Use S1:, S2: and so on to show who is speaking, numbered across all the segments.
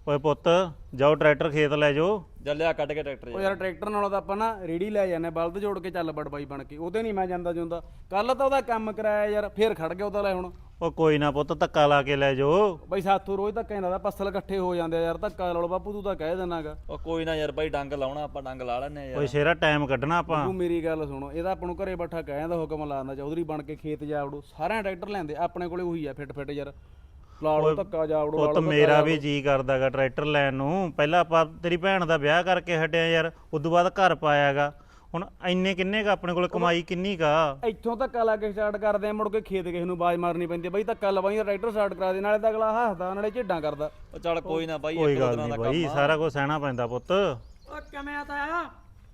S1: ਓਏ ਪੁੱਤ ਜਾਓ ਟਰੈਕਟਰ ਖੇਤ ਲੈ ਜਾਓ।
S2: ਚੱਲ ਲਿਆ ਕੱਢ ਕੇ ਟਰੈਕਟਰ
S3: ਉਹ ਯਾਰ ਟਰੈਕਟਰ ਨਾਲੋਂ ਤਾਂ ਆਪਾਂ ਨਾ ਰੇੜੀ ਲੈ ਜਾਂਦੇ ਬਲਦ ਜੋੜ ਕੇ ਚੱਲ ਬੜ ਬਾਈ ਬਣ ਕੇ ਉਹਦੇ ਨਹੀਂ ਮੈਂ ਜਾਂਦਾ ਜੁੰਦਾ। ਕੱਲ ਤਾਂ ਉਹਦਾ ਕੰਮ ਕਰਾਇਆ ਯਾਰ ਫੇਰ ਖੜ ਗਿਆ ਉਹਦਾ ਲੈ ਹੁਣ।
S1: ਉਹ ਕੋਈ ਨਾ ਪੁੱਤ ਧੱਕਾ ਲਾ ਕੇ ਲੈ ਜਾਓ।
S3: ਬਾਈ ਸਾਥੋਂ ਰੋਜ਼ ਧੱਕਾ ਹੁੰਦਾ ਪੱਸਲ ਇਕੱਠੇ ਹੋ ਜਾਂਦੇ ਯਾਰ ਧੱਕਾ ਲਾ ਲਓ ਬਾਪੂ ਤੂੰ ਤਾਂ ਕਹਿ ਦੇਣਾਗਾ।
S2: ਉਹ ਕੋਈ ਨਾ ਯਾਰ ਬਾਈ ਡੰਗ ਲਾਉਣਾ ਆਪਾਂ ਡੰਗ ਲਾ ਲੈਣੇ ਯਾਰ।
S1: ਓਏ ਸ਼ੇਰਾ ਟਾਈਮ ਕੱਢਣਾ ਆਪਾਂ।
S3: ਤੂੰ ਮੇਰੀ ਗੱਲ ਸੁਣੋ ਇਹਦਾ ਆਪਾਂ ਨੂੰ ਘਰੇ ਬੈਠਾ ਕਹਿ ਜਾਂਦਾ ਹੁਕਮ ਲਾਉਂਦਾ ਚੌਧਰੀ ਬਣ ਕੇ ਖੇਤ ਜਾ ਵੜੋ ਸਾਰਿਆਂ ਟਰੈਕਟਰ ਲੈਂਦੇ ਆਪਣੇ ਕੋਲੇ ਉਹੀ ਆ ਫਿੱਟ ਯਾਰ ਲਾ ਲਓ ਧੱਕਾ ਜਾ ਵੜੋ।
S1: ਪੁੱਤ ਮੇਰਾ ਵੀ ਜੀ ਕਰਦਾਗਾ ਟਰੈਕਟਰ ਲੈਣ ਨੂੰ। ਪਹਿਲਾਂ ਆਪਾਂ ਤੇਰੀ ਭੈਣ ਦਾ ਵਿਆਹ ਕਰਕੇ ਹਟਿਆ ਯਾਰ ਉਦੋਂ ਬਾਅਦ ਘਰ ਪਾਇਆਗਾ। ਹੁਣ ਇੰਨੇ ਕਿੰਨੇ ਕ ਆਪਣੇ ਕੋਲ ਕਮਾਈ ਕਿੰਨੀ ਕਾ।
S3: ਇੱਥੋਂ ਧੱਕਾ ਲਾ ਕੇ ਸਟਾਰਟ ਕਰਦੇ ਆ ਮੁੜ ਕੇ ਖੇਤ ਕਿਸੇ ਨੂੰ ਆਵਾਜ਼ ਮਾਰਨੀ ਪੈਂਦੀ ਬਈ ਧੱਕਾ ਲਵਾਈ ਟਰੈਕਟਰ ਸਟਾਰਟ ਕਰਾ ਦੇ ਨਾਲੇ ਤਾਂ ਅਗਲਾ ਹੱਸਦਾ ਨਾਲੇ ਝੇਡਾਂ ਕਰਦਾ।
S2: ਉਹ ਚੱਲ ਕੋਈ ਨਾ ਬਾਈ
S1: ਕੋਈ ਗੱਲ ਨਹੀਂ ਬਾਈ ਸਾਰਾ ਕੁਝ ਸਹਿਣਾ ਪੈਂਦਾ ਪੁੱਤ।
S4: ਓ ਕਿਵੇਂ ਆ ਤਾਇਆ?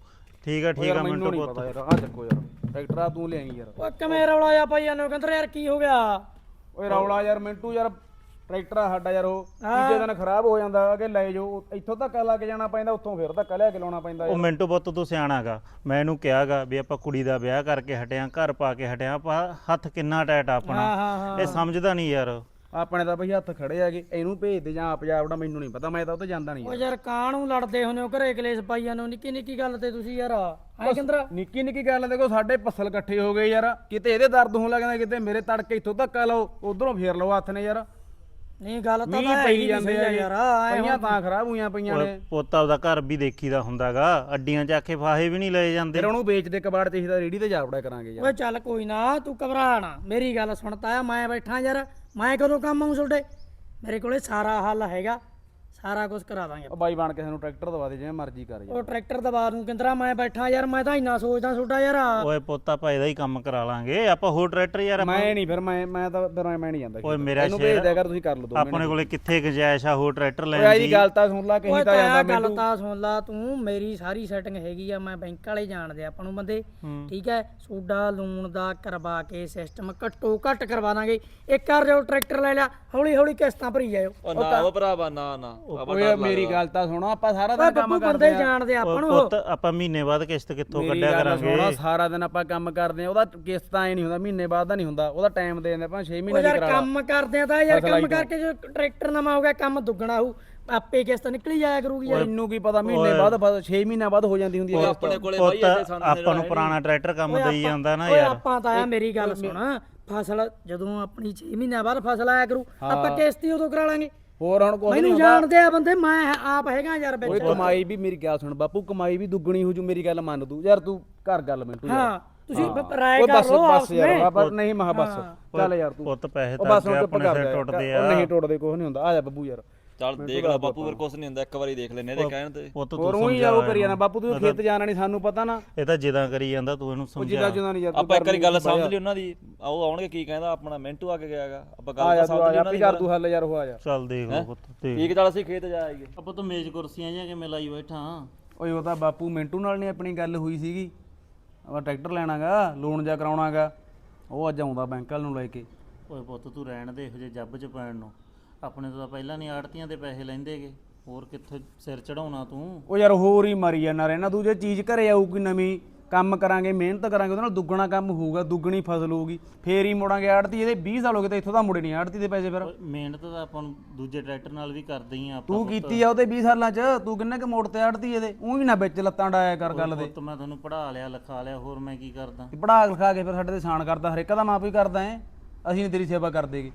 S1: ਠੀਕ ਆ
S3: ਮੈਨੂੰ
S1: ਮਿੰਟੂ
S3: ਨਹੀਂ
S1: ਪੁੱਤ।
S3: ਪਤਾ ਯਾਰ ਆ ਚੱਕੋ ਯਾਰ ਟਰੈਕਟਰ ਆ ਤੂੰ ਲਿਆਈ ਯਾਰ।
S4: ਓ ਕਿਵੇਂ ਰੌਲਾ ਆ ਭਾਈ ਇਹਨੂੰ ਕਹਿੰਦੇ ਯਾਰ ਕੀ ਹੋ ਗਿਆ?
S3: ਓਏ ਰੌਲਾ ਯਾਰ ਮਿੰਟੂ ਯਾਰ ਟਰੈਕਟਰ ਆ ਸਾਡਾ ਯਾਰ ਉਹ ਤੀਜੇ ਦਿਨ ਖਰਾਬ ਹੋ ਜਾਂਦਾ ਕਿ ਲੈ ਜਾਓ ਇੱਥੋਂ ਧੱਕਾ ਲਾ ਕੇ ਜਾਣਾ ਪੈਂਦਾ ਉੱਥੋਂ ਫਿਰ ਧੱਕਾ ਲਿਆ ਕੇ ਲਾਉਣਾ ਪੈਂਦਾ
S1: ਉਹ ਮਿੰਟੂ ਪੁੱਤ ਤੂੰ ਸਿਆਣਾਗਾ। ਮੈਂ ਇਹਨੂੰ ਕਿਹਾਗਾ ਵੀ ਆਪਾਂ ਕੁੜੀ ਦਾ ਵਿਆਹ ਕਰਕੇ ਹਟਿਆ ਘਰ ਪਾ ਕੇ ਹਟਿਆ ਆਪਾਂ ਹੱਥ ਕਿੰਨਾ ਟਾਈਟ ਆਪਣਾ। ਇਹ ਸਮਝਦਾ ਨਹੀਂ ਯਾਰ।
S3: ਆਪਣੇ ਤਾਂ ਬਈ ਹੱਥ ਖੜੇ ਹੈਗੇ ਇਹਨੂੰ ਭੇਜ ਦੇ ਜਾਂ ਆਪ ਜਾਵੜਾ ਮੈਨੂੰ ਨਹੀਂ ਪਤਾ ਮੈਂ ਤਾਂ ਉੱਥੇ ਜਾਂਦਾ ਨਹੀਂ
S4: ਓ ਯਾਰ ਕਾਹਨੂੰ ਲੜਦੇ ਹੁੰਦੇ ਹੋ ਘਰੇ ਕਲੇਸ਼ ਪਾਈ ਜਾਂਦੇ ਹੋ ਨਿੱਕੀ ਨਿੱਕੀ ਗੱਲ ਤੇ ਤੁਸੀਂ ਯਾਰ ਐ ਕਹਿੰਦਾ
S3: ਨਿੱਕੀ ਨਿੱਕੀ ਗੱਲ ਦੇਖੋ ਸਾਡੇ ਪੱਸਲ ਇਕੱਠੇ ਹੋ ਗਏ ਯਾਰ ਕਿਤੇ ਇਹਦੇ ਦਰਦ ਹੋਣ ਲੱਗਦਾ ਕਿਤੇ ਮੇਰੇ ਤੜਕੇ ਇੱਥੋਂ ਧੱਕਾ ਲਾਓ ਉਧਰੋਂ ਫੇਰ ਲਓ ਹੱਥ ਨੇ ਯਾਰ।
S4: ਨਹੀਂ ਗੱਲ ਤਾਂ
S3: ਮੀਂਹ
S4: ਹੈ
S3: ਪਈ
S4: ਹੀ
S3: ਜਾਂਦੇ ਆ
S4: ਯਾਰ
S3: ਪਈਆਂ ਤਾਂ ਖਰਾਬ ਹੋਈਆਂ ਪਈਆਂ ਨੇ।
S1: ਪੁੱਤ ਆਪਦਾ ਘਰ ਵੀ ਦੇਖੀਦਾ ਹੁੰਦਾਗਾ। ਅੱਡੀਆਂ ਚ ਆਖੇ ਫਾਹੇ ਵੀ ਨਹੀਂ ਲਏ ਜਾਂਦੇ।
S3: ਫਿਰ ਉਹਨੂੰ ਵੇਚਦੇ ਕਬਾੜ ਤੇ ਇਹਦਾ ਰੇੜੀ ਤੇ ਜਾ ਵੜਿਆ ਕਰਾਂਗੇ ਯਾਰ।
S4: ਓਏ ਚੱਲ ਕੋਈ ਨਾ ਤੂੰ ਘਬਰਾ ਨਾ ਮੇਰੀ ਗੱਲ ਸੁਣ ਤਾਇਆ ਮੈਂ ਬੈਠਾ ਯਾਰ ਮੈਂ ਕਦੋਂ ਕੰਮ ਆਉਂ ਤੁਹਾਡੇ ਮੇਰੇ ਕੋਲੇ ਸਾਰਾ ਹੱਲ ਹੈਗਾ ਸਾਰਾ ਕੁਝ ਕਰਾ ਦਾਂਗੇ
S3: ਉਹ ਬਾਈ ਬਣ ਕੇ ਸਾਨੂੰ ਟਰੈਕਟਰ ਦਵਾ ਦੇ ਜਿਵੇਂ ਮਰਜ਼ੀ ਕਰ ਯਾਰ।
S4: ਉਹ ਟਰੈਕਟਰ ਦਬਾ ਦੂੰ ਕਿੰਦਰਾ ਮੈਂ ਬੈਠਾ ਯਾਰ ਮੈਂ ਤਾਂ ਇੰਨਾ ਸੋਚਦਾ ਤੁਹਾਡਾ ਯਾਰ।
S1: ਓਏ ਪੁੱਤ ਆਪਾਂ ਇਹਦਾ ਹੀ ਕੰਮ ਕਰਾ ਲਾਂਗੇ। ਆਪਾਂ ਹੋਰ ਟਰੈਕਟਰ ਯਾਰ
S3: ਮੈਂ ਨਹੀਂ ਫਿਰ ਮੈਂ ਤਾਂ ਫਿਰ ਮੈਂ ਨਹੀਂ ਜਾਂਦਾ
S1: ਓਏ ਮੇਰਾ
S3: ਇਹਨੂੰ ਭੇਜ ਦਿਆ ਕਰ ਤੁਸੀਂ ਕਰ ਲਓ ਦੋ
S1: ਆਪਣੇ ਕੋਲੇ ਕਿੱਥੇ ਗੁੰਜਾਇਸ਼ ਆ ਹੋਰ ਟਰੈਕਟਰ
S3: ਓਏ
S1: ਲੈਣ
S3: ਆਈ
S1: ਦੀ।
S3: ਗੱਲ ਤਾਂ ਸੁਣ ਲਾ ਕਹੀ
S4: ਓਏ
S3: ਤਾਂ ਜਾਂਦਾ
S4: ਤਾਇਆ ਗੱਲ
S3: ਮੈਨੂੰ।
S4: ਤਾਂ ਸੁਣ ਲਾ ਤੂੰ ਮੇਰੀ ਸਾਰੀ ਸੈਟਿੰਗ ਹੈਗੀ ਆ ਮੈਂ ਬੈਂਕ ਵਾਲੇ ਜਾਣਦੇ ਆਪਾਂ ਨੂੰ ਬੰਦੇ ਠੀਕ ਹੈ ਸੋਡਾ ਲੂਣ ਦਾ ਕਰਵਾ ਕੇ ਸਿਸਟਮ ਘੱਟੋ ਘੱਟ ਕਰਵਾ ਦਾਂਗੇ। ਇੱਕ ਕਰ ਜਾਓ ਟਰੈਕਟਰ ਲੈ ਲਿਆ ਹੌਲੀ ਹੌਲੀ ਕਿਸ਼ਤਾਂ ਭਰੀ ਜਾਇਓ।
S2: ਉਹ ਨਾ ਉਹ ਭਰਾਵਾ ਨਾ
S3: ਓਏ ਮੇਰੀ ਗੱਲ ਤਾਂ ਸੁਣੋ ਆਪਾਂ ਸਾਰਾ ਦਿਨ ਕੰਮ
S4: ਬੱਬੂ
S3: ਕਰਦੇ
S4: ਬੰਦੇ ਜਾਣਦੇ ਆਪਾਂ ਨੂੰ
S1: ਪੁੱਤ ਆਪਾਂ ਮਹੀਨੇ ਬਾਅਦ ਕਿਸ਼ਤ ਕਿੱਥੋਂ ਕੱਢਿਆ ਕਰਾਂਗੇ।
S3: ਸੁਣੋ ਸਾਰਾ ਦਿਨ ਆਪਾਂ ਕੰਮ ਕਰਦੇ ਆ ਉਹਦਾ ਕਿਸ਼ਤ ਐ ਨਹੀਂ ਹੁੰਦਾ ਮਹੀਨੇ ਬਾਅਦ ਦਾ ਨਹੀਂ ਹੁੰਦਾ ਉਹਦਾ ਟਾਈਮ ਦੇ ਦਿੰਦੇ ਆਪਾਂ 6
S4: ਉਹ
S3: ਮਹੀਨੇ ਦੀ
S4: ਯਾਰ
S3: ਕਰਾ
S4: ਕੰਮ ਕਰਦੇ ਆ ਤਾਂ ਯਾਰ ਕੰਮ ਕਰਕੇ ਜੋ ਟਰੈਕਟਰ ਨਵਾਂ ਹੋ ਗਿਆ ਕੰਮ ਦੁੱਗਣਾ ਹੋਊ ਆਪੇ ਕਿਸ਼ਤ ਨਿਕਲੀ ਜਾਇਆ ਕਰੂਗੀ ਯਾਰ।
S3: ਮੈਨੂੰ ਕੀ ਪਤਾ ਮਹੀਨੇ ਬਾਅਦ 6 ਮਹੀਨਿਆਂ ਬਾਅਦ ਹੋ ਜਾਂਦੀ ਹੁੰਦੀ ਹੈ
S2: ਆਪਣੇ ਕੋਲੇ ਬਾਈ
S1: ਪੁੱਤ
S2: ਇੱਥੇ ਸਾਨੂੰ
S1: ਆਪਾਂ ਨੂੰ ਪੁਰਾਣਾ ਟਰੈਕਟਰ ਕੰਮ ਦੇਈ ਜਾਂਦਾ ਨਾ
S4: ਓਏ
S1: ਯਾਰ।
S4: ਆਪਾਂ ਤਾਂ ਆ ਮੇਰੀ ਗੱਲ ਸੁਣ ਫਸਲ ਜਦੋਂ ਆਪਣੀ 6 ਮਹੀਨਿਆਂ ਬਾਅਦ ਫਸਲ ਆਇਆ ਕਰੂ ਆਪਾਂ ਕਿਸ਼ਤ ਹੀ ਉਦੋਂ ਕਰਾ ਲਾਂਗੇ।
S3: ਹੋਰ ਹੁਣ ਕੁਝ
S4: ਮੈਨੂੰ ਜਾਣਦੇ ਆ ਬੰਦੇ ਮੈਂ ਆਪ ਹੈਗਾ ਯਾਰ
S3: ਓਏ
S4: ਵਿੱਚ।
S3: ਕਮਾਈ ਵੀ ਮੇਰੀ ਗੱਲ ਸੁਣ ਬਾਪੂ ਕਮਾਈ ਵੀ ਦੁੱਗਣੀ ਹੋ ਜੂ ਮੇਰੀ ਗੱਲ ਮੰਨ ਤੂੰ ਯਾਰ ਤੂੰ ਕਰ ਗੱਲ ਮਿੰਟੂ ਯਾਰ।
S4: ਹਾਂ ਤੁਸੀਂ ਰਾਏ
S3: ਓਏ
S4: ਕਰ
S3: ਬਸ
S4: ਲਓ
S3: ਬਸ
S4: ਆਪਸ
S3: ਯਾਰ
S4: ਵਿੱਚ।
S3: ਬਾਬਾ ਨਹੀਂ ਮਹਾ ਬਸ ਚੱਲ ਯਾਰ ਤੂੰ
S1: ਪੁੱਤ ਪੈਸੇ
S3: ਉਹ
S1: ਤਾਂ
S3: ਬਸ ਹੁਣ ਚੁੱਪ
S1: ਆਪਣੇ
S3: ਕਰ
S1: ਸਿਰ
S3: ਜਾ
S1: ਟੁੱਟਦੇ
S3: ਉਹ
S1: ਆ।
S3: ਨਹੀਂ ਟੁੱਟਦੇ ਕੁਝ ਨਹੀਂ ਹੁੰਦਾ ਆ ਜਾ ਬੱਬੂ ਯਾਰ।
S2: ਚੱਲ ਦੇਖ ਲੈ ਬਾਪੂ ਫਿਰ ਕੁਛ ਨਹੀਂ ਹੁੰਦਾ ਇੱਕ ਵਾਰੀ ਦੇਖ ਲੈਨੇ ਇਹਦੇ ਕਹਿਣ ਤੇ।
S1: ਪੁੱਤ
S3: ਹੋਰ
S1: ਤੂੰ
S3: ਉਹੀ ਜਾ ਉਹ ਕਰੀ ਜਾਣਾ ਬਾਪੂ ਤੂੰ ਖੇਤ ਜਾਣਾ ਨਹੀਂ ਸਾਨੂੰ ਪਤਾ ਨਾ।
S1: ਇਹ ਤਾਂ ਜਿੱਦਾਂ ਕਰੀ ਜਾਂਦਾ ਤੂੰ ਇਹਨੂੰ
S3: ਉਹ
S1: ਸਮਝਾ।
S3: ਜਿੱਦਾਂ ਜਿੱਦਾਂ ਨਹੀਂ ਯਾਰ ਤੂੰ
S2: ਆਪਾਂ ਇੱਕ ਵਾਰੀ ਗੱਲ ਸਮਝ ਲਈ ਉਹਨਾਂ ਦੀ ਆਓ ਆਉਣਗੇ ਕੀ ਕਹਿੰਦਾ ਆਪਣਾ ਮਿੰਟੂ ਆ ਕੇ ਗਿਆਗਾ ਆਪਾਂ ਗੱਲ ਤਾਂ ਸਮਝ ਲਈ ਉਹਨਾਂ
S3: ਆਪੀ
S2: ਦੀ।
S3: ਕਰ ਤੂੰ ਹੱਲ ਯਾਰ ਹੋ ਆ ਜਾ।
S1: ਚੱਲ ਦੇਖ ਲਓ ਪੁੱਤ ਦੇਖ।
S2: ਠੀਕ ਚੱਲ ਅਸੀਂ ਖੇਤ ਜਾ ਆਈਏ।
S1: ਆਪਾਂ ਤਾਂ ਮੇਜ਼ ਕੁਰਸੀਆਂ ਜਾਂ ਕਿਵੇਂ ਲਾਈ ਬੈਠਾ।
S3: ਓਏ ਉਹ ਤਾਂ ਬਾਪੂ ਮਿੰਟੂ ਨਾਲ ਨਹੀਂ ਆਪਣੀ ਗੱਲ ਹੋਈ ਸੀਗੀ ਆਪਾਂ ਟਰੈਕਟਰ ਲੈਣਾਗਾ ਲੋਨ ਜਾ ਕਰਾਉਣਾਗਾ ਉਹ ਅੱਜ ਆਉਂਦਾ ਬੈਂਕ ਵਾਲ ਨੂੰ ਲੈ ਕੇ।
S1: ਓਏ ਪੁੱਤ ਤੂੰ ਰਹਿਣ ਦੇ ਇਹੋ ਜਿਹੇ ਜੱਬ ਚ ਪੈਣ ਨੂੰ। ਆਪਣੇ ਤੋਂ ਤਾਂ ਪਹਿਲਾਂ ਨਹੀਂ ਆੜਤੀਆਂ ਦੇ ਪੈਸੇ ਲੈਂਦੇਗੇ ਹੋਰ ਕਿੱਥੇ ਸਿਰ ਚੜਾਉਣਾ ਤੂੰ।
S3: ਉਹ ਯਾਰ ਹੋਰ ਹੀ ਮਰੀ ਜਾਂਦਾ ਰਹਿਣਾ ਤੂੰ ਜੇ ਚੀਜ਼ ਘਰੇ ਆਊਗੀ ਨਵੀਂ ਕੰਮ ਕਰਾਂਗੇ ਮਿਹਨਤ ਕਰਾਂਗੇ ਉਹਦੇ ਨਾਲ ਦੁੱਗਣਾ ਕੰਮ ਹੋਊਗਾ ਦੁੱਗਣੀ ਫਸਲ ਹੋਊਗੀ ਫੇਰ ਹੀ ਮੋੜਾਂਗੇ ਆੜਤੀ ਇਹਦੇ 20 ਸਾਲ ਹੋ ਗਏ ਤੇ ਇੱਥੋਂ ਤਾਂ ਮੁੜੇ ਨਹੀਂ ਆੜਤੀ ਦੇ ਪੈਸੇ ਫਿਰ।
S1: ਮਿਹਨਤ ਤਾਂ ਆਪਾਂ ਨੂੰ ਦੂਜੇ ਟਰੈਕਟਰ ਨਾਲ ਵੀ ਕਰਦੇ ਹੀ ਆ ਆਪਾਂ।
S3: ਤੂੰ ਕੀਤੀ ਆ ਉਹਦੇ 20 ਸਾਲਾਂ ਚ ਤੂੰ ਕਿੰਨੇ ਕ ਮੋੜ ਤੇ ਆੜਤੀ ਇਹਦੇ ਉਹੀ ਨਾ ਵਿੱਚ ਲੱਤਾਂ ਡਾਇਆ ਕਰ ਗੱਲ ਦੇ।
S1: ਪੁੱਤ ਮੈਂ ਤੁਹਾਨੂੰ ਪੜ੍ਹਾ ਲਿਆ ਲਿਖਾ ਲਿਆ ਹੋਰ ਮੈਂ ਕੀ ਕਰਦਾ।
S3: ਪੜਾ ਲਿਖਾ ਕੇ ਫਿਰ ਸਾਡੇ ਤੇ ਸਾਨ ਕਰਦਾ ਹਰੇਕ ਦਾ ਮਾਂ ਪਿਓ ਕਰਦਾ ਐ ਅਸੀਂ ਨਹੀਂ ਤੇਰੀ ਸੇਵਾ ਕਰਦੇਗੇ।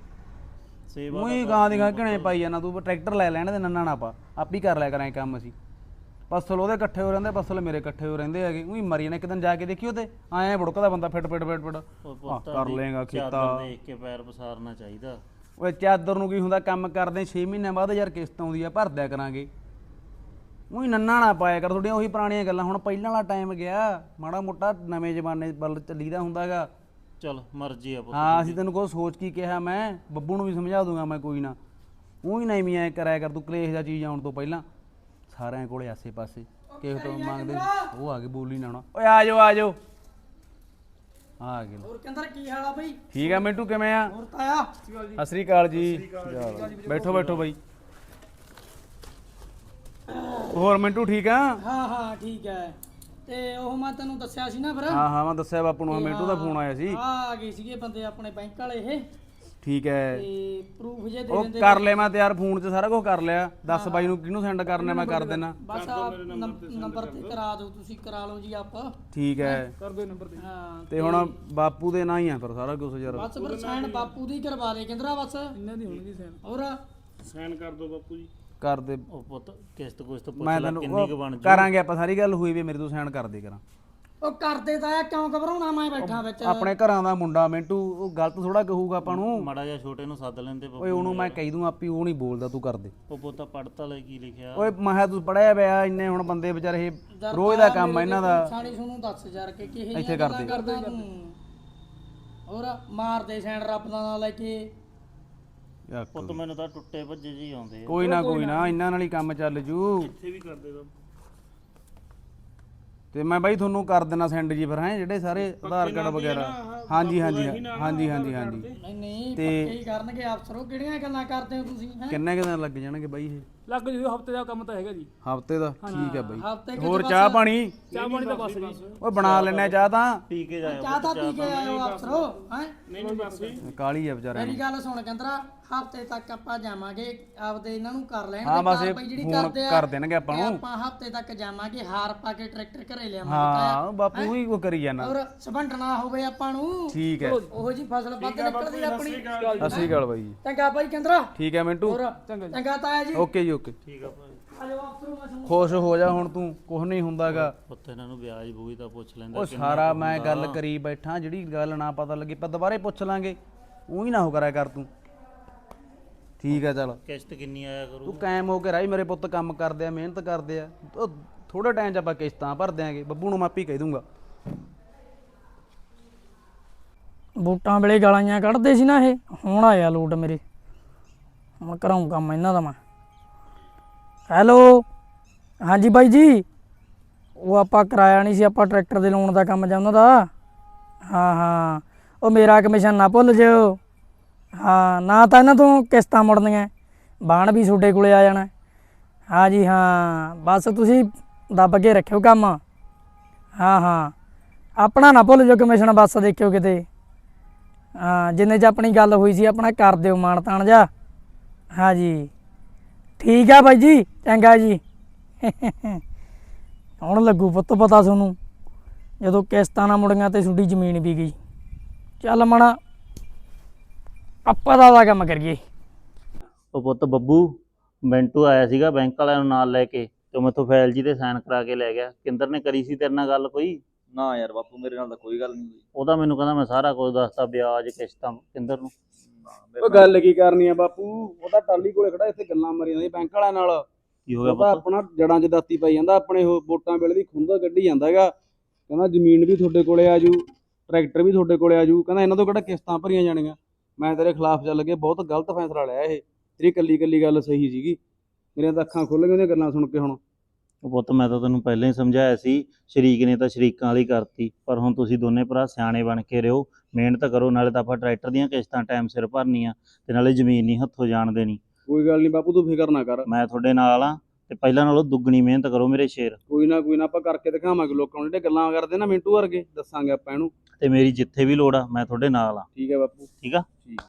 S1: ਸੇਵਾ
S3: ਉਹੀ ਗਾਂ ਦੀ ਗਾਂ ਘਣੇ ਪਾਈ ਜਾਣਾ ਤੂੰ ਟਰੈਕਟਰ ਲੈ ਲੈਣ ਦੇ ਨੰਨਾ ਨਾ ਪਾ ਆਪੀ ਕਰ ਲਿਆ ਕਰਾਂ ਕੰਮ ਅਸੀਂ। ਪਸਲ ਉਹਦੇ ਇਕੱਠੇ ਹੋ ਰਹਿੰਦੇ ਪਸਲ ਮੇਰੇ ਇਕੱਠੇ ਹੋ ਰਹਿੰਦੇ ਹੈਗੇ ਉਹੀ ਮਰੀ ਜਾਣਾ ਇੱਕ ਦਿਨ ਜਾ ਕੇ ਦੇਖੀ ਉਹਤੇ ਐਂ ਬੁੜਕਦਾ ਬੰਦਾ ਫਿੱਟ ਕਰ ਲੇਗਾ ਕੀਤਾ।
S1: ਚਾਦਰ ਦੇਖ ਕੇ ਪੈਰ ਪਸਾਰਨਾ ਚਾਹੀਦਾ।
S3: ਓਏ ਚਾਦਰ ਨੂੰ ਕੀ ਹੁੰਦਾ ਕੰਮ ਕਰਦੇ 6 ਮਹੀਨਿਆਂ ਬਾਅਦ ਯਾਰ ਕਿਸ਼ਤ ਆਉਂਦੀ ਆ ਭਰ ਦਿਆ ਕਰਾਂਗੇ। ਉਹੀ ਨੰਨਾ ਨਾ ਪਾਇਆ ਕਰ ਤੁਹਾਡੀਆਂ ਉਹੀ ਪੁਰਾਣੀਆਂ ਗੱਲਾਂ ਹੁਣ ਪਹਿਲਾਂ ਵਾਲਾ ਟਾਈਮ ਗਿਆ ਮਾੜਾ ਮੋਟਾ ਨਵੇਂ ਜ਼ਮਾਨੇ ਵੱਲ ਚੱਲੀਦਾ ਹੁੰਦਾਗਾ।
S1: ਚਲ ਮਰਜ਼ੀ ਆ ਪੁੱਤ।
S3: ਹਾਂ ਅਸੀਂ ਤੈਨੂੰ ਕੋਈ ਸੋਚ ਕੀ ਕਿਹਾ ਮੈਂ ਬੱਬੂ ਨੂੰ ਵੀ ਸਮਝਾ ਦੂੰਗਾ ਮੈਂ ਕੋਈ ਨਾ ਉਹੀ ਨਹੀਂ ਵੀ ਐ ਕਰਾਇਆ ਕਰ ਤੂੰ ਕਲੇਸ਼ ਦਾ ਚੀਜ਼ ਆਉਣ ਤੋਂ ਪਹਿਲਾਂ ਸਾਰਿਆਂ ਕੋਲੇ ਆਸੇ ਪਾਸੇ ਕਿਸੇ ਤੋਂ ਮੰਗਦੇ ਉਹ ਆ ਕੇ ਬੋਲੀ ਨਾ ਆਉਣਾ। ਓਏ ਆ ਜਾਓ ਆ ਗਏ।
S4: ਹੋਰ ਕਹਿੰਦਾ ਕੀ ਹਾਲ ਆ ਬਈ?
S3: ਠੀਕ ਆ ਮਿੰਟੂ ਕਿਵੇਂ ਆ?
S4: ਹੋਰ ਤਾਇਆ
S3: ਸਤਿ ਸ੍ਰੀ ਅਕਾਲ ਜੀ। ਬੈਠੋ ਬੈਠੋ ਬਾਈ। ਹੋਰ ਮਿੰਟੂ ਠੀਕ ਆ?
S4: ਹਾਂ ਠੀਕ ਹੈ ਤੇ ਉਹ ਮੈਂ ਤੈਨੂੰ ਦੱਸਿਆ ਸੀ ਨਾ ਫਿਰ
S3: ਹਾਂ ਮੈਂ ਦੱਸਿਆ ਬਾਪੂ ਨੂੰ ਮਿੰਟੂ ਦਾ ਫੋਨ ਆਇਆ ਸੀ।
S4: ਆ ਗਏ ਸੀਗੇ ਬੰਦੇ ਆਪਣੇ ਬੈਂਕ ਵਾਲੇ ਇਹ
S3: ਠੀਕ ਹੈ
S4: ਤੇ ਪ੍ਰੂਫ ਜੇ ਦੇ
S3: ਉਹ
S4: ਦਿੰਦੇ
S3: ਕਰ ਲਿਆ ਮੈਂ ਤਿਆਰ, ਫੋਨ 'ਚ ਸਾਰਾ ਕੁਝ ਕਰ ਲਿਆ। ਦੱਸ ਬਾਈ ਨੂੰ ਕਿਹਨੂੰ ਸੈਂਡ ਕਰਨਾ, ਮੈਂ ਕਰ ਦੇਣਾ।
S4: ਬਸ ਆਹ ਨੰਬਰ ਤੇ ਕਰਾ ਦਿਓ, ਤੁਸੀਂ ਕਰਾ ਲਓ ਜੀ ਆਪ।
S3: ਠੀਕ ਹੈ
S4: ਕਰ ਦਿਓ ਨੰਬਰ ਤੇ। ਹਾਂ
S3: ਤੇ ਹੁਣ ਬਾਪੂ ਦੇ ਨਾਂ ਹੀ ਆ ਫਿਰ ਸਾਰਾ ਕੁਝ ਯਾਰ।
S4: ਬਸ ਫਿਰ ਸਾਈਨ ਬਾਪੂ ਦੀ ਕਰਵਾ ਦੇ ਕਹਿੰਦਾ ਬਸ ਇਹਨਾਂ ਦੀ ਹੋਣਗੀ ਸਾਈਨ। ਹੋਰ
S5: ਸਾਈਨ ਕਰ ਦਿਓ ਬਾਪੂ ਜੀ।
S3: ਕਰ ਦੇ
S1: ਉਹ ਪੁੱਤ ਕਿਸ਼ਤ ਕੁਸ਼ਤ ਪੁੱਛ
S3: ਮੈਂ
S1: ਲੈ
S3: ਤੈਨੂੰ
S1: ਕਿੰਨੀ ਕੁ ਬਣ ਜੂ।
S3: ਕਰਾਂਗੇ ਆਪਾਂ, ਸਾਰੀ ਗੱਲ ਹੋਈ ਵੀ ਮੇਰੇ ਤੋਂ ਸਾਈਨ ਕਰ ਦੇ ਕਰਾਂ।
S4: ਉਹ ਕਰਦੇ ਤਾਂ ਆ, ਕਿਉਂ ਘਬਰਾਉਣਾ, ਮੈਂ ਬੈਠਾ ਵਿੱਚ।
S3: ਆਪਣੇ ਘਰਾਂ ਦਾ ਮੁੰਡਾ ਮਿੰਟੂ, ਉਹ ਗਲਤ ਥੋੜਾ ਕਹੂਗਾ ਆਪਾਂ ਨੂੰ।
S1: ਮਾੜਾ ਜਿਹਾ ਛੋਟੇ ਨੂੰ ਸੱਦ ਲੈਂਦੇ
S3: ਓਏ ਉਹਨੂੰ ਮੈਂ ਕਹਿ ਦੂੰ ਆਪੀ, ਉਹ ਨਹੀਂ ਬੋਲਦਾ, ਤੂੰ ਕਰ ਦੇ।
S1: ਉਹ ਪੁੱਤ ਪੜਤਾ ਲੈ ਕੀ ਲਿਖਿਆ।
S3: ਓਏ ਮੈਂ ਕਿਹਾ ਤੂੰ ਪੜਿਆ ਪਿਆ, ਇੰਨੇ ਹੁਣ ਬੰਦੇ ਵਿਚਾਰੇ ਇਹ ਰੋਜ਼ ਦਾ ਕੰਮ ਆ ਇਹਨਾਂ ਦਾ।
S4: ਸਾਣੀ ਤੁਹਾਨੂੰ ਦੱਸ ਯਾਰ ਕਿ ਕਿਹੇ
S3: ਇੱਥੇ
S4: ਜਿਹੀਆਂ
S3: ਕਰਦੇ।
S4: ਗੱਲਾਂ ਕਰਦਾ ਤੂੰ। ਹੋਰ ਮਾਰਦੇ ਸੈਂਡ ਰੱਬ ਦਾ ਨਾਂ ਲੈ ਕੇ।
S3: ਯਾਰ
S1: ਪੁੱਤ ਮੈਨੂੰ ਤਾਂ ਟੁੱਟੇ ਭੱਜੇ ਜੀ ਆਉਂਦੇ ਆ।
S3: ਕੋਈ ਨਾ ਇਹਨਾਂ ਨਾਲ ਹੀ ਕੰਮ ਚੱਲ ਜੂ।
S5: ਇੱਥੇ ਵੀ ਕਰ ਦੇ ਬਾਪੂ।
S3: ਤੇ ਮੈਂ ਬਾਈ ਤੁਹਾਨੂੰ ਕਰ ਦੇਣਾ ਸੈਂਡ ਜੀ ਫਿਰ, ਹੈ ਜਿਹੜੇ ਸਾਰੇ ਆਧਾਰ ਕਾਰਡ ਵਗੈਰਾ। ਹਾਂਜੀ ਹਾਂਜੀ ਹਾਂਜੀ ਹਾਂਜੀ ਹਾਂਜੀ।
S4: ਨਹੀਂ
S3: ਤੇ
S4: ਪੱਕੇ ਹੀ ਕਰਨਗੇ ਅਫਸਰੋ, ਕਿਹੜੀਆਂ ਗੱਲਾਂ ਕਰਦੇ ਹੋ ਤੁਸੀਂ ਹੈਂ?
S3: ਕਿੰਨੇ ਕੁ ਦਿਨ ਲੱਗ ਜਾਣਗੇ ਬਾਈ ਇਹ?
S5: ਲੱਗ ਜੂ ਹਫਤੇ ਦਾ ਕੰਮ ਤਾਂ ਹੈਗਾ ਜੀ।
S3: ਹਫਤੇ ਦਾ? ਠੀਕ ਹੈ ਬਾਈ।
S4: ਹਫ਼ਤੇ
S3: ਹੋਰ ਚਾਹ ਪਾਣੀ?
S5: ਚਾਹ ਪਾਣੀ ਤਾਂ ਬਸ ਜੀ।
S3: ਓਏ ਬਣਾ ਲੈਣਾ ਚਾਹ ਤਾਂ।
S1: ਪੀ ਕੇ ਜਾਇਓ
S4: ਚਾਹ ਤਾਂ ਪੀ ਕੇ ਆਇਓ ਅਫਸਰੋ ਹੈ।
S5: ਨਹੀਂ ਬਸ ਜੀ।
S3: ਕਾਲੀ ਆ ਵਿਚਾਰਿਆਂ
S4: ਮੇਰੀ
S3: ਨੂੰ।
S4: ਗੱਲ ਸੁਣ ਕਹਿੰਦਾ, ਹਫਤੇ ਤੱਕ ਆਪਾਂ ਜਾਵਾਂਗੇ, ਆਪਦੇ ਇਹਨਾਂ ਨੂੰ ਕਰ ਲੈਣ
S3: ਹਾਂ ਬਸ ਇਹ
S4: ਕਾਰਵਾਈ ਜਿਹੜੀ
S3: ਫੋਨ
S4: ਕਰਦੇ ਆ।
S3: ਕਰ ਦੇਣਗੇ ਆਪਾਂ
S4: ਤੇ
S3: ਨੂੰ।
S4: ਆਪਾਂ ਹਫਤੇ ਤੱਕ ਜਾਵਾਂਗੇ, ਹਾਰ ਪਾ ਕੇ ਟਰੈਕਟਰ ਘਰੇ ਲਿਆਵਾਂਗੇ।
S3: ਹਾਂ ਬਾਪੂ ਹੀ ਉਹ ਕਰੀ ਜਾਣਾ।
S4: ਔਰ ਸਬੰਟਣਾ ਹੋਵੇ ਆਪਾਂ ਨੂੰ,
S3: ਠੀਕ ਹੈ।
S4: ਉਹੋ ਜੀ ਫਸਲ ਵੱਧ ਨਿਕਲਦੀ ਆਪਣੀ।
S3: ਸਤਿ ਸ਼੍ਰੀ ਅਕਾਲ ਬਾਈ ਜੀ।
S4: ਚੰਗਾ ਭਾਈ ਕਹਿੰਦਾ।
S3: ਠੀਕ ਹੈ ਮਿੰਟੂ।
S4: ਹੋਰ ਚੰਗਾ ਤਾਇਆ ਜੀ।
S3: ਓਕੇ ਜੀ ਓਕੇ।
S1: ਠੀਕ ਆ ਭਾਈ।
S4: ਆਜੋ ਅਫਸਰੋ, ਮੈਂ ਤੁਹਾਨੂੰ
S3: ਖੁਸ਼ ਹੋ ਜਾ ਹੁਣ ਤੂੰ, ਕੁਝ ਨਹੀਂ ਹੁੰਦਾਗਾ।
S1: ਪੁੱਤ ਇਹਨਾਂ ਨੂੰ ਵਿਆਜ ਬੂਈ ਤਾਂ ਪੁੱਛ ਲੈਂਦਾ।
S3: ਉਹ ਸਾਰਾ ਮੈਂ ਗੱਲ ਕਰੀ ਬੈਠਾ, ਜਿਹੜੀ ਗੱਲ ਨਾ ਪਤਾ ਲੱਗੀ ਆਪਾਂ ਦੁਬਾਰੇ ਪੁੱਛ ਲਾਂਗੇ। ਉਹੀ ਨਾ ਹੋ ਕਰਿਆ ਕਰ ਤੂੰ। ਠੀਕ ਹੈ ਚੱਲ,
S1: ਕਿਸ਼ਤ ਕਿੰਨੀ ਆਇਆ ਕਰੂ।
S3: ਤੂੰ ਕਾਇਮ ਹੋ ਕੇ ਰਾਈ, ਮੇਰੇ ਪੁੱਤ ਕੰਮ ਕਰਦੇ ਆ, ਮਿਹਨਤ ਕਰਦੇ ਆ। ਉਹ ਥੋੜੇ ਟਾਈਮ 'ਚ ਆਪਾਂ ਕਿਸ਼ਤਾਂ ਭਰ ਦਿਆਂਗੇ। ਬੱਬੂ ਨੂੰ ਮੈਂ ਆਪੇ ਕਹਿ ਦੂੰਗਾ।
S4: ਵੋਟਾਂ ਵੇਲੇ ਗਾਲਾਂ ਕੱਢਦੇ ਸੀ ਨਾ ਇਹ, ਹੁਣ ਆਇਆ ਲੋਟ ਮੇਰੇ। ਹੁਣ ਕਰਾਉਂ ਕੰਮ ਇਹਨਾਂ ਦਾ ਮੈਂ। ਹੈਲੋ ਹਾਂਜੀ ਬਾਈ ਜੀ, ਉਹ ਆਪਾਂ ਕਰਾਇਆ ਨਹੀਂ ਸੀ, ਆਪਾਂ ਟਰੈਕਟਰ ਦੇ ਲੋਨ ਦਾ ਕੰਮ ਜਾਂ ਉਹਨਾਂ ਦਾ। ਹਾਂ ਹਾਂ, ਉਹ ਮੇਰਾ ਕਮਿਸ਼ਨ ਨਾ ਭੁੱਲ ਜਿਓ। ਹਾਂ ਨਾ ਤਾਂ ਇਹਨਾਂ ਤੋਂ ਕਿਸ਼ਤਾਂ ਮੁੜਨੀਆਂ, ਬਾਣ ਵੀ ਤੁਹਾਡੇ ਕੋਲੇ ਆ ਜਾਣਾ। ਹਾਂ ਜੀ ਹਾਂ, ਬਸ ਤੁਸੀਂ ਦੱਬ ਕੇ ਰੱਖਿਓ ਕੰਮ। ਹਾਂ ਹਾਂ, ਆਪਣਾ ਨਾ ਭੁੱਲ ਜਿਓ ਕਮਿਸ਼ਨ, ਬਸ ਦੇਖਿਓ ਕਿਤੇ। ਹਾਂ ਜਿੰਨੇ 'ਚ ਆਪਣੀ ਗੱਲ ਹੋਈ ਸੀ ਆਪਣਾ ਕਰ ਦਿਓ ਮਾਣ ਤਾਣ ਜਾ। ਹਾਂ ਜੀ ਠੀਕ ਆ ਬਾਈ ਜੀ, ਚੰਗਾ ਜੀ। ਹੁਣ ਲੱਗੂ ਪੁੱਤ ਪਤਾ ਤੁਹਾਨੂੰ, ਜਦੋਂ ਕਿਸ਼ਤਾਂ ਨਾ ਮੁੜੀਆਂ ਤੇ ਤੁਹਾਡੀ ਜ਼ਮੀਨ ਵੀ ਗਈ। ਚੱਲ ਮਣਾ ਆਪਾਂ ਦਾ ਕੰਮ ਕਰੀਏ।
S1: ਉਹ ਪੁੱਤ ਬੱਬੂ, ਮਿੰਟੂ ਆਇਆ ਸੀਗਾ ਬੈਂਕ ਵਾਲਿਆਂ ਨੂੰ ਨਾਲ ਲੈ ਕੇ, ਤੇ ਮੈਥੋਂ ਫਾਈਲ ਜੀ ਤੇ ਸਾਈਨ ਕਰਾ ਕੇ ਲੈ ਗਿਆ। ਕਿੰਦਰ ਨੇ ਕਰੀ ਸੀ ਤੇਰੇ ਨਾਲ ਗੱਲ ਕੋਈ?
S2: ਨਾ ਯਾਰ ਬਾਪੂ, ਮੇਰੇ ਨਾਲ ਤਾਂ ਕੋਈ ਗੱਲ ਨਹੀਂ ਹੋਈ।
S1: ਉਹਦਾ ਮੈਨੂੰ ਕਹਿੰਦਾ ਮੈਂ ਸਾਰਾ ਕੁਝ ਦੱਸਤਾ, ਵਿਆਜ ਕਿਸ਼ਤਾਂ ਕਿੰਦਰ ਨੂੰ।
S3: ਉਹ ਗੱਲ ਕੀ ਕਰਨੀ ਆ ਬਾਪੂ, ਉਹਦਾ ਟਾਲੀ ਕੋਲੇ ਖੜਾ, ਇੱਥੇ ਗੱਲਾਂ ਮਾਰੀ ਜਾਂਦੀ ਬੈਂਕ ਵਾਲਿਆਂ ਨਾਲ।
S1: ਕੀ ਹੋ ਗਿਆ
S3: ਉਹ ਤਾਂ
S1: ਪੁੱਤ?
S3: ਆਪਣਾ ਜੜਾਂ 'ਚ ਦਾਤੀ ਪਾਈ ਜਾਂਦਾ, ਆਪਣੇ ਉਹ ਵੋਟਾਂ ਵੇਲੇ ਦੀ ਖੁੰਦਾ ਕੱਢੀ ਜਾਂਦਾ ਹੈਗਾ। ਕਹਿੰਦਾ ਜ਼ਮੀਨ ਵੀ ਤੁਹਾਡੇ ਕੋਲੇ ਆ ਜੂ, ਟਰੈਕਟਰ ਵੀ ਤੁਹਾਡੇ ਕੋਲੇ ਆ ਜੂ। ਕਹਿੰਦਾ ਇਹਨਾਂ ਤੋਂ ਕਿਹੜਾ ਕਿਸ਼ਤਾਂ ਭਰੀਆਂ ਜਾਣੀਆਂ। ਮੈਂ ਤੇਰੇ ਖਿਲਾਫ ਚੱਲ ਕੇ ਬਹੁਤ ਗਲਤ ਫੈਸਲਾ ਲਿਆ ਇਹ। ਤੇਰੀ ਕੱਲੀ ਗੱਲ ਸਹੀ ਸੀਗੀ। ਮੇਰੀਆਂ ਤਾਂ ਅੱਖਾਂ ਖੁੱਲ ਗਈਆਂ ਉਹਦੀਆਂ ਗੱਲਾਂ ਸੁਣ ਕੇ ਹੁਣ।
S1: ਉਹ ਪੁੱਤ ਮੈਂ ਤਾਂ ਤੈਨੂੰ ਪਹਿਲਾਂ ਹੀ ਸਮਝਾਇਆ ਸੀ, ਸ਼ਰੀਕ ਨੇ ਤਾਂ ਸ਼ਰੀਕਾਂ ਵਾਲੀ ਕਰਤੀ। ਪਰ ਹੁਣ ਤੁਸੀਂ ਦੋਨੇ ਭਰਾ ਸਿਆਣੇ ਬਣ ਕੇ ਰਹੋ, ਮਿਹਨਤ ਕਰੋ। ਨਾਲੇ ਤਾਂ ਆਪਾਂ ਟਰੈਕਟਰ ਦੀਆਂ ਕਿਸ਼ਤਾਂ ਟਾਈਮ ਸਿਰ ਭਰਨੀਆਂ, ਤੇ ਨਾਲੇ ਜ਼ਮੀਨ ਨਹੀਂ ਹੱਥੋਂ ਜਾਣ ਦੇਣੀ।
S3: ਕੋਈ ਗੱਲ ਨਹੀਂ ਬਾਪੂ, ਤੂੰ ਫਿਕਰ ਨਾ ਕਰ।
S1: ਮੈਂ ਤੁਹਾਡੇ ਨਾਲ ਆ, ਤੇ ਪਹਿਲਾਂ ਨਾਲੋਂ ਦੁੱਗਣੀ ਮਿਹਨਤ ਕਰੋ ਮੇਰੇ ਸ਼ੇਰ।
S3: ਕੋਈ ਨਾ ਆਪਾਂ ਕਰਕੇ ਦਿਖਾਵਾਂਗੇ ਲੋਕਾਂ ਨੂੰ, ਜਿਹੜੇ ਗੱਲਾਂ ਕਰਦੇ ਨਾ ਮਿੰਟੂ ਵਰਗੇ, ਦੱਸਾਂਗੇ ਆਪਾਂ ਇਹਨੂੰ।
S1: ਤੇ ਮੇਰੀ ਜਿੱਥੇ ਵੀ ਲੋੜ ਆ ਮੈਂ ਤੁਹਾਡੇ ਨਾਲ ਆ।
S3: ਠੀਕ ਹੈ ਬਾਪੂ।
S1: ਠੀਕ ਆ।